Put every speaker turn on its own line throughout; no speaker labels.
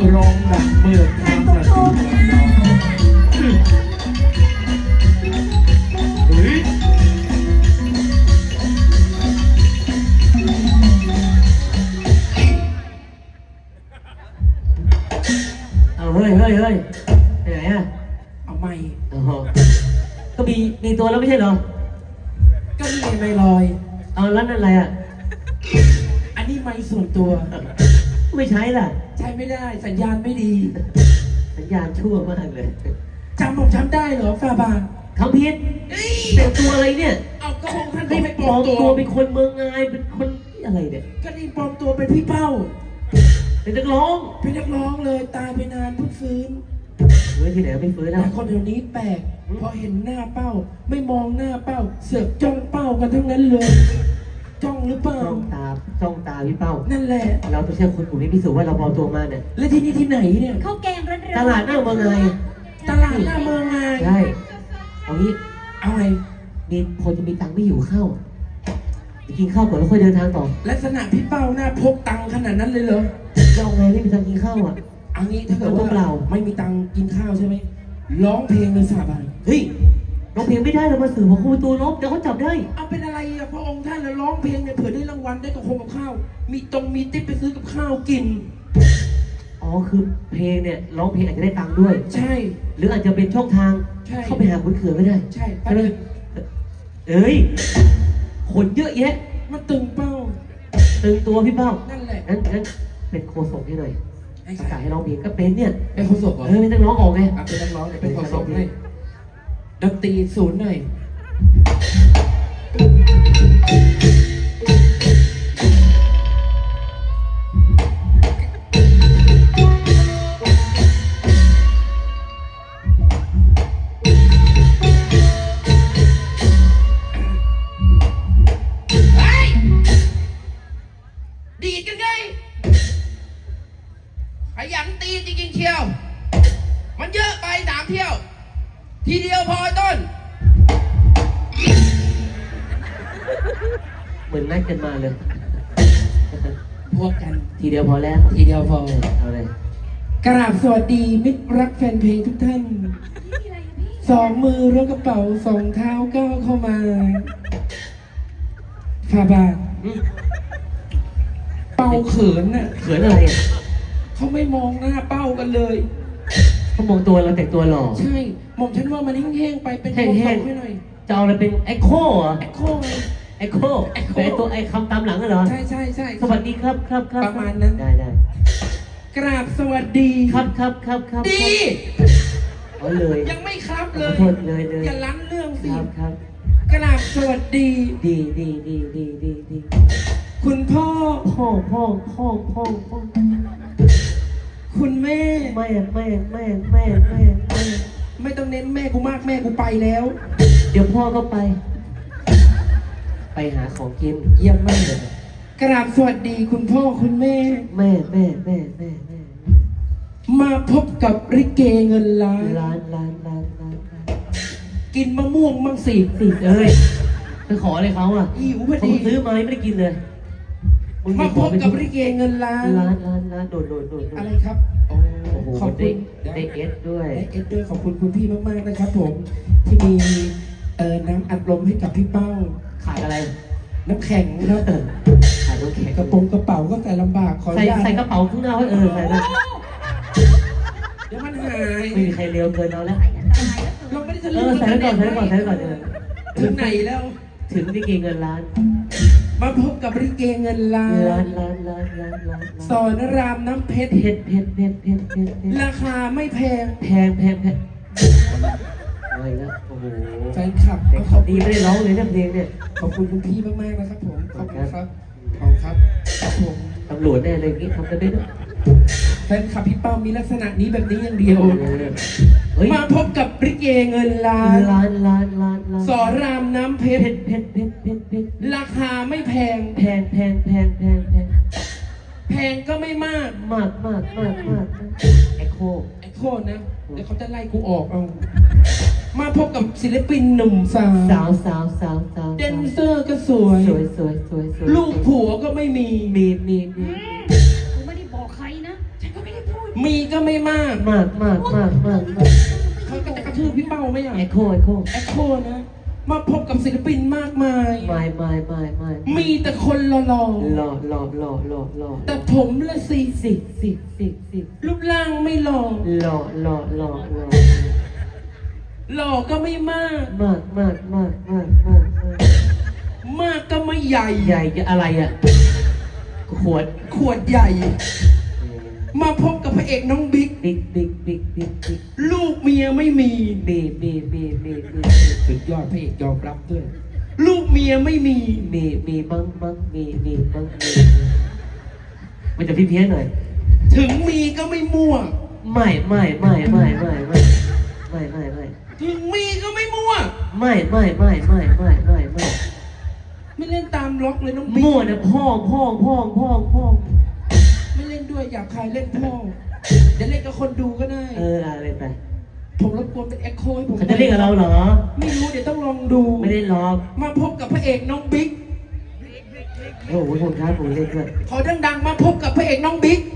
ร้องดังเมื่อครั้งนาทีเฮ้ย
เอาเฮ้ยไปไหนอ่ะ
เอาไม่
โอ้โหก็มีตัวแล้วไม่ใช่เหรอ
ก็นี่ไม่ลอย
เอาแล้วนั่นอะไรอ่ะ
อันนี้ไม่ส่วนตัว
ไม่ใช้ล่ะ
ใช้ไม่ได้สัญญาณไม่ดี
สัญญาณชั่วมากเลย
จำผมจำได้เหรอฟาบา
ทำผิดแต่งตัวอะไรเนี่ย
เอากระหงท่าน
ให้ปลอมตัวเป็นคนเมืองไงเป็นคนอะไรเนี่ย
ก็นี่ปลอมตัวเป็นพี่เป้า
เป็นนักร้อง
เลยตายไปนานเพิ่งฟื้น
เฮ้ยที่ไหนไม่ฟื้นนะ
คนเดี๋ยวนี้แปลกพอเห็นหน้าเป้าไม่มองหน้าเป้าเสือกจ้องเป้ากันทั้งนั้นเลยจ้องหรือเปล่า
จ้องตาพี่เป้า
นั่นแหละ
เราต้องเชื่อคนกลุ่มนี้พิสูจน์ว่าเราปลอมตัวมาเนี่ย
แล้วที่นี่ที่ไหนเนี่ย
ข้าวแกงร้อนๆ
ตลาดหน้าเมืองไง
ตลาดหน้าเมืองไง
ใช่เอางี้
เอาไง
มีคนจะมีตังค์ไม่อยู่ข้าวจะกินข้าวก่อนแล้วค่อยเดินทางต่อ
ลักษณะพี่เป้าหน้าพกตังค์ขนาดนั้นเลยเหรอ
เราไงไม่มีตังค์กินข้าวอ่ะ
เอางี้ถ้าเกิดว่าเราไม่มีตังค์กินข้าวใช่ไหมร้องเพลงเลยสาบาน
เฮ้ยร้องเพลงไม่ได้เรามาสื่อของคุณตูนบเดี๋ยวเขาจับได้
เอาเป็นอะไรอะพระองค์ท่านแล้วร้องเพลงเนี่ยเผื่อได้รางวัลได้กับคงกับข้าวมีติ๊บไปซื้อกับข้าวกิน
อ๋อคือเพลงเนี่ยร้องเพลงอาจจะได้ตังค์ด้วย
ใช่
หรืออาจจะเป็นช่องทางเข้าไปหาคุณเขื่อนก็ได้
ใช่
ใช่ไหมเอ้ยคนเยอะแยะ
มาตึงเป้า
ตึงตัวพี่เป้า
นั่นแหละ
งั้นเป็นโคศกให้หน่อยประกาศให้ร้องเพลงก็เป็นเนี่ย
เป็นโคศกเหรอ
ไม่ต้องร้องออกไง
เป็นนักร้องเนี่ยเป็นโคศกให้ดนตรีศูนย์หน่อยดีดกันไงขยันตีจริงๆเชียวมันเยอะไป3 เที่ยวทีเดียวพอต้น
เหมือนนัดกันมาเลย
พวกกัน
ทีเดียวพอแล้ว
ทีเดียวพอ
เอาเลย
กราบสวัสดีมิตรรักแฟนเพลงทุกท่าน2 มือล้วงกระเป๋า2 เท้าก้าวเข้ามาฟาบาเป้าเขินน่ะ
เขินอะไรอ่ะ
เขาไม่มองหน้าเป้ากันเลย
เขามองตัวเราแต่งตัวหล่อ
ใช่หม่อมฉันว่ามันแห้งๆไปเป็น
แห้งๆ
ให้หน่อย
จะเอาอะไรเป็นไอโค่เหรอ
ไอโค่ไง
ไอโค่เป็นตัวไอคำตามหลังเหรอ
ใช่
สวัสดีครับ
ประมาณนั้น
ได้
กราบสวัสดี
ครับ
ดี
เอาเลย
ยังไม่ครับเลย
โทษเลย
อย่าล้ำเรื่องสิ
ครับ
กราบสวัสดี
ดี
คุณพ่อคุณแม่ไม่ต้องเน้นแม่กูมากแม่กูไปแล้ว
เดี๋ยวพ่อก็ไปหาของกิน
เยี่ยมมากเลยกราบสวัสดีคุณพ่อคุณแม่มาพบกับริเกเงินล้านกินมะม่วงมั่งสิ
เอ้ยไปขออะไรเขาอ่ะ
หิวพอดี
ซื้อมาไม่ได้กินเลย
มาพบกับริเกเงินล้าน
โดด
อะไรครับ
ขอบคุณได้เอสด้วย
ขอบคุณคุณพี่มากๆนะครับผมที่มีน้ำอัดลมให้กับพี่เป้า
ขาดอะไร
น้ำแข็งครับ
ขาดน้ำแข็ง
กระเป๋าก็ใส่ลำบากขอ
ใส่กระเป๋าข้างหน้าไว้ใส่ได้
เดี๋ยวมันหาย
ไม่มีใครเร็วเกินเราแล้ว
เราไม่ได้จะ
ใส่ก่อน
ถึงไหนแล้ว
ถึงริเกเงินล้าน
มาพบกับริเกเงินล้านสอนรามน้ำเพชรราคาไม่แพง
อะไรนะโอ้โห
แฟนคลับ
ดีไม่ได้ร้องเลยนะเพลงเนี่ย
ขอบคุณคุณพี่มากๆนะครับผมขอบคุณครับผม
ตำรวจแน่เลยงี้ทำกันได้ด้วย
แฟนคลับพี่เป้ามีลักษณะนี้แบบนี้อย่างเดียวมาพบกับริเกเงินล้านสอนรามน้ำเพชรราคาไม่แพงแพงก็ไม่มาก
ไอโค
นะเดี๋ยวเขาจะไล่กูออกเอามาพบกับศิลปินหนุ่มสาวแดนเซอร์ก็สวยลูกผัวก็ไม่มี
กูไม่ได้บอกใครนะฉันก็ไม่ได้พูด
มีก็ไม่มาก
มาก
เขาก็จะกระทืบพี่เป้าไหมอ่ะ
เอ็กโค
แอคโคนะ มาพบกับศิลปินมากมาย
ไม่
มีแต่คนหล่อ
หล่อ
ๆแต่ผมละสิ
สิ
รูปร่างไม่หล่อ
หล่อ
หล่อก็ไม่มาก
มาก
มากก็ไม่ใหญ่
ใหญ่จะอะไรอ่ะขวด
ขวดใหญ่ มาพบกับพระเอกน้องบิ๊ก
บิ๊ก
ลูกเมียไม่มี
บี
สุดยอดพระเอกยอมรับด้วย ลูกเมียไม่มี
มีมั้งมีมันจะเพี้ยนหน่อย
ถึงมีก็ไม่มั่ว
ไม่
ถึงมีก็ไม่มั่ว
ไม่
ไม่เล่นตามล็อกเลยน้องบิ๊ก
มั่วนะพ่อ
ไม่เล่นด้วยอยากใครเล่นพ่อเดี๋ยวเล่นกับคนดูก็ได้
อะไรไป
ผมรบกวนเป็นเอ็กโคให้ผม
เขาจะเรียกกับเราเหรอ
ไม่รู้เดี๋ยวต้องลองดู
ไม่ได้ล็อก
มาพบกับพระเอกน้องบิ๊ก
โอ้โหผมท้าผมเล่นด้วย
ขอดังๆมาพบกับพระเอกน้องบิ๊ก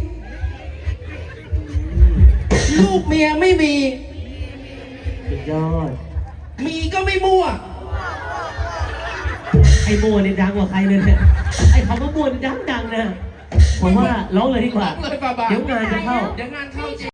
ลูกเมียไม่มี
สุดยอด
มีก็ไม่มั่ว
ไอ้โมเนี่ยดังกว่าใครเลยเนี่ยไอ้คำว่าโมเนี่ยดังนะผมว่าร้องเลยดีกว่า
ร้องเลยบาบา
เดี๋ยวงานจะเข้า
เดี๋ยวงานเข้าจริง